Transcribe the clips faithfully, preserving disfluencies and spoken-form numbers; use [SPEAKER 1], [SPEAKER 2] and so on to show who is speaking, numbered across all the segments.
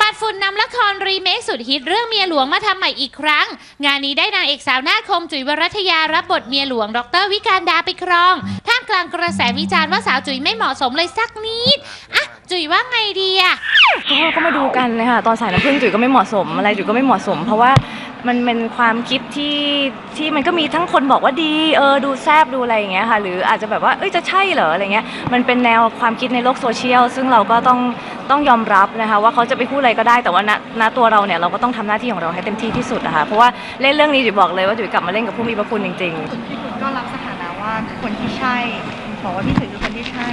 [SPEAKER 1] ดฝุ่นนำละครรีเมคสุดฮิตเรื่องเมียหลวงมาทำใหม่อีกครั้งงานนี้ได้นางเอกสาวหน้าคมจุ๋ยวรัตยารับบทเมียหลวงดรวิการดาไปครองท่ามกลางกระแสวิจารณ์ว่าสาวจุ๋ยไม่เหมาะสมเลยสักนิดอ่ะจุ๋ยว่าไงดีอะ
[SPEAKER 2] ก็ก็มาดูกันเลยค่ะตอนสายน้ำผึ้งจุ๋ยก็ไม่เหมาะสมอะไรจุ๋ยก็ไม่เหมาะสม เพราะว่ามันเป็นความคิดที่ที่มันก็มีทั้งคนบอกว่าดีเออดูแซบดูอะไรอย่างเงี้ยค่ะหรืออาจจะแบบว่าเอ้ยจะใช่เหรออะไรเงี้ยมันเป็นแนวความคิดในโลกโซเชียลซึ่งเราก็ต้องต้องยอมรับนะคะว่าเขาจะไปพูดอะไรก็ได้แต่ว่าณณตัวเราเนี่ยเราก็ต้องทำหน้าที่ของเราให้เต็มที่ที่สุดนะคะเพราะว่าเล่นเรื่องนี้จุ๋ยบอกเลยว่าจุ๋ยกลับมาเล่นกับผู้มีพระคุณจริงๆ
[SPEAKER 3] พี่คุณก็รับสถานะว่าคนที่ใช่บอกว่าพี่จุ๋ยคือคนที่ใช่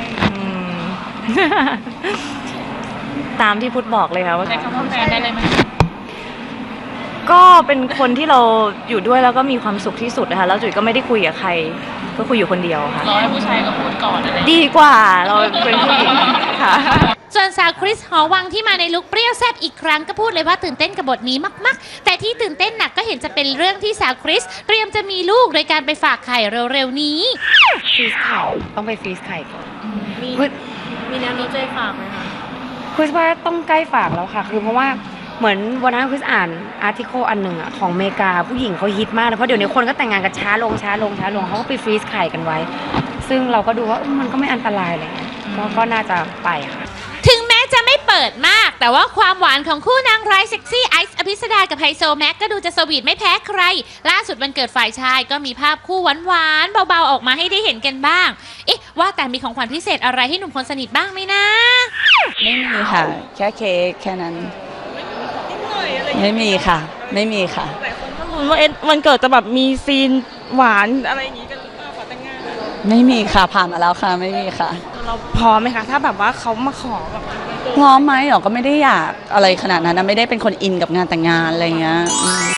[SPEAKER 2] ตามที่พุทธบอกเลยค่ะว่า
[SPEAKER 1] ใช้คำว่าแฟนได้เลยไหม
[SPEAKER 2] ก็เป็นคนที่เราอยู่ด้วยแล้วก็มีความสุขที่สุดนะคะแล้วจุ๋ยก็ไม่ได้คุยกับใครก็คุยอยู่คนเดียวค่ะ
[SPEAKER 1] รอให้ผู้ชายกับพูดก่อนอะไร
[SPEAKER 2] ดีกว่าเราเป็นผู้หญิงค่ะ
[SPEAKER 1] ส่วนสาวคริสหอวังที่มาในลุคเปรี้ยวแซ่บอีกครั้งก็พูดเลยว่าตื่นเต้นกับบทนี้มากๆแต่ที่ตื่นเต้นหนักก็เห็นจะเป็นเรื่องที่สาวคริสเตรียมจะมีลูกโดยการไปฝากไข่เร็วๆนี้
[SPEAKER 2] ฟรีสไข่ต้องไปฟรีสไข่ก่อน
[SPEAKER 1] มีมีแนวโน้มจะฝากไหมคะ
[SPEAKER 2] คริสว่าต้องใกล้ฝากแล้วค่ะคือเพราะว่าเหมือนวันนั้นคริสอ่านอาร์ติเคิลอันหนึ่งอะของอเมริกาผู้หญิงเขาฮิตมากเลยเพราะเดี๋ยวนี้คนก็แต่งงานกันช้าลงช้าลงช้าลงเขาก็ไปฟรีซไข่กันไว้ซึ่งเราก็ดูว่ามันก็ไม่อันตรายเลยก็ก็น่าจะไปค่ะ
[SPEAKER 1] ถึงแม้จะไม่เปิดมากแต่ว่าความหวานของคู่นางร้ายเซ็กซี่ไอซ์อภิสดากับไฮโซแม็กก็ดูจะสวีทไม่แพ้ใครล่าสุดวันเกิดฝ่ายชายก็มีภาพคู่หวานๆเบาๆออกมาให้ได้เห็นกันบ้างเอ๊ะว่าแต่มีของขวัญพิเศษอะไรให้หนุ่มคนสนิทบ้างไหมนะ
[SPEAKER 4] ไม่มีค่ะแค่เค้กแค่นั้นไม่มีค่ะไม่มีค่ะ
[SPEAKER 3] หลายคนก็ลุ้นว่าเอ็วันเกิดจะแบบมีซีนหวานอะไรอย่างนี้กันหรือเปล่าขอแต่งงาน
[SPEAKER 4] ไม่มีค่ะผ่านมาแล้วค่ะไม่มีค่ะ
[SPEAKER 3] เราพร้อมไหมคะถ้าแบบว่าเขามาขอแบบ
[SPEAKER 4] พร้อมไหมหรอก็ไม่ได้อยากอะไรขนาดนั้นนะไม่ได้เป็นคนอินกับงานแต่งงานอะไรเงี้ย